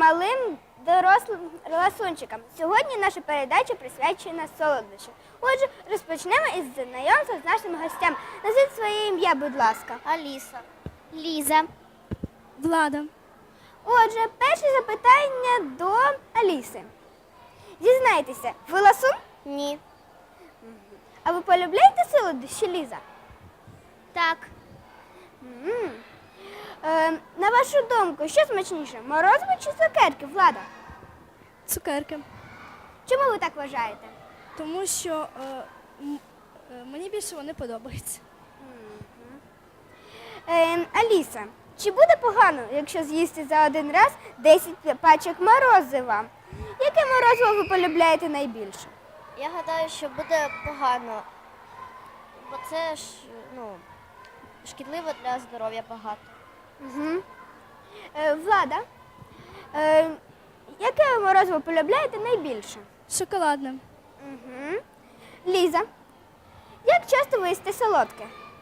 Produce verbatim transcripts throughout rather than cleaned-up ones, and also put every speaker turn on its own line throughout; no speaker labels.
малим дорослим ласунчикам. Сьогодні наша передача присвячена солодощам. Отже, розпочнемо із знайомства з нашими гостями. Назвіть своє ім'я, будь ласка.
Аліса. Ліза.
Влада.
Отже, перше запитання до Аліси. Дізнайтеся, ви ласун?
Ні.
А ви полюбляєте солодощі, Ліза?
Так.
М. Е, на вашу думку, що смачніше, морозиво чи цукерки, Влада?
Цукерки.
Чому ви так вважаєте?
Тому що е, м- е, мені більше вони подобаються.
Е, Аліса, чи буде погано, якщо з'їсти за один раз десять пачок морозива? Яке морозиво ви полюбляєте найбільше?
Я гадаю, що буде погано, бо це ж ну, шкідливо для здоров'я багато.
Угу. Е, Влада, е, яке ви морозиво полюбляєте найбільше?
Шоколадне.
Угу. Ліза, як часто ви їсте солодке?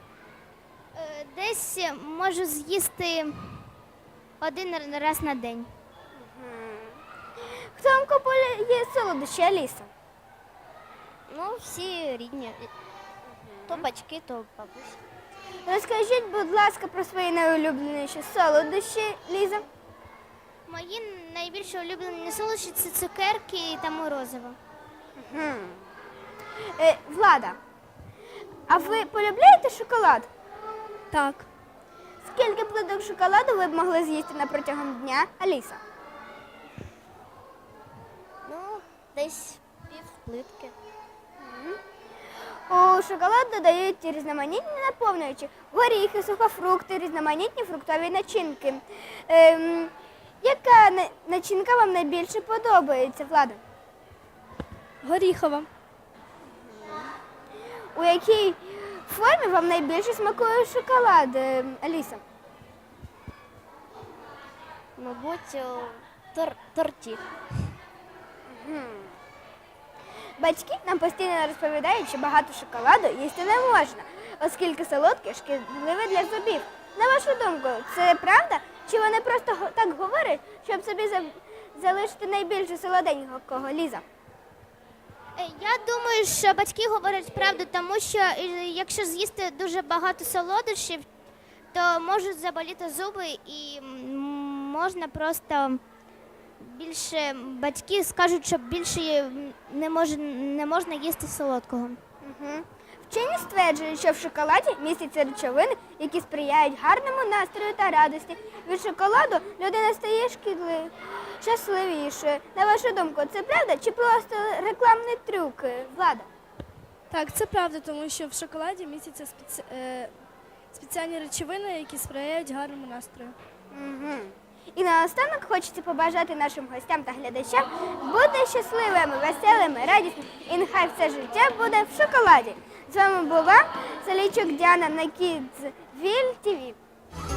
Десь можу з'їсти один раз на день.
Хто вам купує солодощі, Аліса?
Ну, всі рідні. То батьки, то бабуся.
Розкажіть, будь ласка, про свої найулюбленіші солодощі, Ліза.
Мої найбільш улюблені солодощі – це цукерки та морозиво.
Угу. Е, Влада, а ви полюбляєте шоколад?
Так.
Скільки плиток шоколаду ви б могли з'їсти на протягом дня, Аліса?
Ну, десь пів плитки.
У шоколад додають різноманітні наповнювачі, горіхи, сухофрукти, різноманітні фруктові начинки. Ем, яка на- начинка вам найбільше подобається, Влада?
Горіхова.
У якій формі вам найбільше смакує шоколад, ем, Аліса?
Мабуть, у тор торті.
Батьки нам постійно розповідають, що багато шоколаду їсти не можна, оскільки солодке шкідливе для зубів. На вашу думку, це правда? Чи вони просто го- так говорять, щоб собі за- залишити найбільше солоденького, Ліза?
Е, Я думаю, що батьки говорять правду, тому що е, якщо з'їсти дуже багато солодощів, то можуть заболіти зуби і м, можна просто більше, батьки скажуть, що більше м, не, мож, не можна їсти солодкого.
Угу. Вчені стверджують, що в шоколаді містяться речовини, які сприяють гарному настрою та радості. Від шоколаду людина стає шкідливою, щасливішою. На вашу думку, це правда чи просто рекламний трюк, Влада?
Так, це правда, тому що в шоколаді містяться спеці... е, спеціальні речовини, які сприяють гарному настрою.
Угу. І наостанок хочеться побажати нашим гостям та глядачам бути щасливими, веселими, радісними і нехай все життя буде в шоколаді. З вами була Салійчук Діана на Kidsville ті ві.